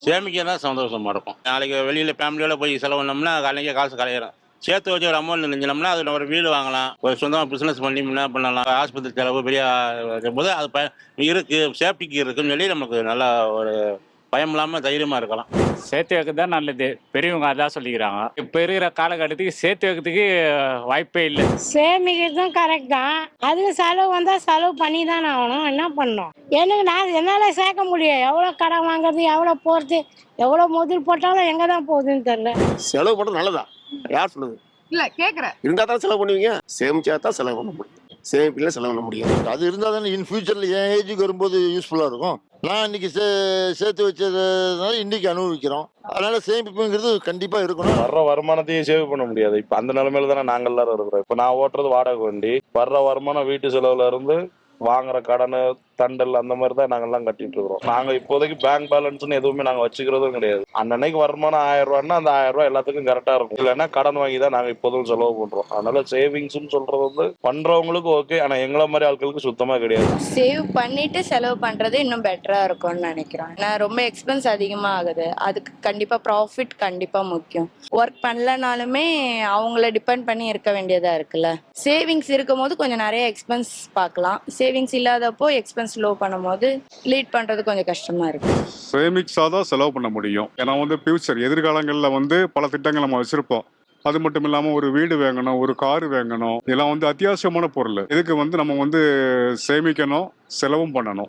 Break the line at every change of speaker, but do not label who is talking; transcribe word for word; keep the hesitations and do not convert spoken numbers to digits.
சேமிக்க தான் சந்தோஷமா இருக்கும். நாளைக்கு வெளியில் ஃபேமிலியோட போய் செலவு பண்ணோம்னா அன்றைக்கே காசு கலையிடும். சேர்த்து வச்சு ஒரு அமௌண்ட் நினைஞ்சோம்னா அதில் ஒரு வீடு வாங்கலாம், ஒரு சொந்தமாக பிஸ்னஸ் பண்ணி என்ன பண்ணலாம், ஆஸ்பத்திரி செலவு பெரிய போது அது ப இருக்குது, சேஃப்டிக்கு இருக்குன்னு சொல்லி நமக்கு நல்லா ஒரு பயம் இல்லாமல் தைரியமாக இருக்கலாம்.
சேர்த்து வைக்கிறது தான் நல்லது. பெரியவங்க அதான் சொல்லிக்கிறாங்க. இப்போ இருக்கிற காலகட்டத்துக்கு சேர்த்து வைக்கிறதுக்கு வாய்ப்பே இல்லை.
சேமிக்கிறதும் கரெக்ட் தான். அதுக்கு செலவு வந்தால் செலவு பண்ணி தானே ஆகணும். என்ன பண்ணணும்? எனக்கு நான் என்னால் சேர்க்க முடியும். எவ்வளோ கடன் வாங்குறது, எவ்வளோ போகிறது, எவ்வளோ முதல் போட்டாலும் எங்கே தான் போகுதுன்னு தெரியல.
செலவு பண்ணுறது நல்லதா? யார் சொல்லுது?
இல்ல கேக்குறேன்.
இருந்தால் தான் செலவு பண்ணுவீங்க. சேமிச்சா தான் செலவு பண்ண முடியும். சேமிப்பில் செலவு பண்ண முடியும்.
அது இருந்தால் தானே இன் ஃபியூச்சரில் என் ஏஜுக்கு வரும்போது யூஸ்ஃபுல்லாக இருக்கும். நான் இன்னைக்கு சே சேர்த்து வச்சதுனால இன்னைக்கு அனுபவிக்கிறோம். அதனால சேமிப்புங்கிறது கண்டிப்பாக இருக்கணும்.
வர்ற வருமானத்தையும் சேவ் பண்ண முடியாது. இப்போ அந்த நிலைமையில தானே நாங்கள் எல்லாரும் இருக்கிறோம். இப்போ நான் ஓட்டுறது வாடகை வண்டி, வர்ற வருமானம் வீட்டு செலவுல இருந்து வாங்குற கடன் தண்டல் அந்த மாதிரி தான் நாங்கெல்லாம் கட்டிட்டு இருக்கிறோம். நாங்கள் இப்போதைக்கு பேங்க் பேலன்ஸ்னு எதுவுமே நாங்கள் வச்சுக்கிறதும் கிடையாது. அன்னன்னைக்கு வருமானம் ஆயிரம் ரூபான்னா அந்த ஆயிரம் ரூபாய் எல்லாத்துக்கும் கரெக்டாக இருக்கும். இல்லைன்னா கடன் வாங்கி தான் நாங்கள் இப்போதும் செலவு பண்ணுறோம். அதனால சேவிங்ஸ்னு சொல்றது வந்து பண்றவங்களுக்கு ஓகே, ஆனால் எங்களை மாதிரி ஆட்களுக்கு சுத்தமாக கிடையாது.
சேவ் பண்ணிட்டு செலவு பண்றது இன்னும் பெட்டரா இருக்கும்னு நினைக்கிறேன். நான் ரொம்ப எக்ஸ்பென்ஸ் அதிகமாக ஆகுது. அதுக்கு கண்டிப்பா ப்ராஃபிட் கண்டிப்பா முக்கியம். ஒர்க் பண்ணலனாலுமே அவங்கள டிபெண்ட் பண்ணி இருக்க வேண்டியதா இருக்குல்ல. சேவிங்ஸ் இருக்கும் போது கொஞ்சம் நிறைய எக்ஸ்பென்ஸ் பார்க்கலாம். சேவிங்ஸ் இல்லாதப்போ எக்ஸ்பென்ஸ் லோ பண்ணும்போது லீட் பண்றது கொஞ்சம் கஷ்டமா இருக்கு.
சேமிக்ஸாக தான் செலவு பண்ண முடியும். ஏன்னா வந்து ஃபியூச்சர் எதிர்காலங்களில் வந்து பல திட்டங்கள் நம்ம வச்சிருப்போம். அது மட்டும் இல்லாமல் ஒரு வீடு வாங்கணும், ஒரு கார் வாங்கணும், இதெல்லாம் வந்து அத்தியாவசியமான பொருள். இதுக்கு வந்து நம்ம வந்து சேமிக்கணும், செலவும் பண்ணணும்.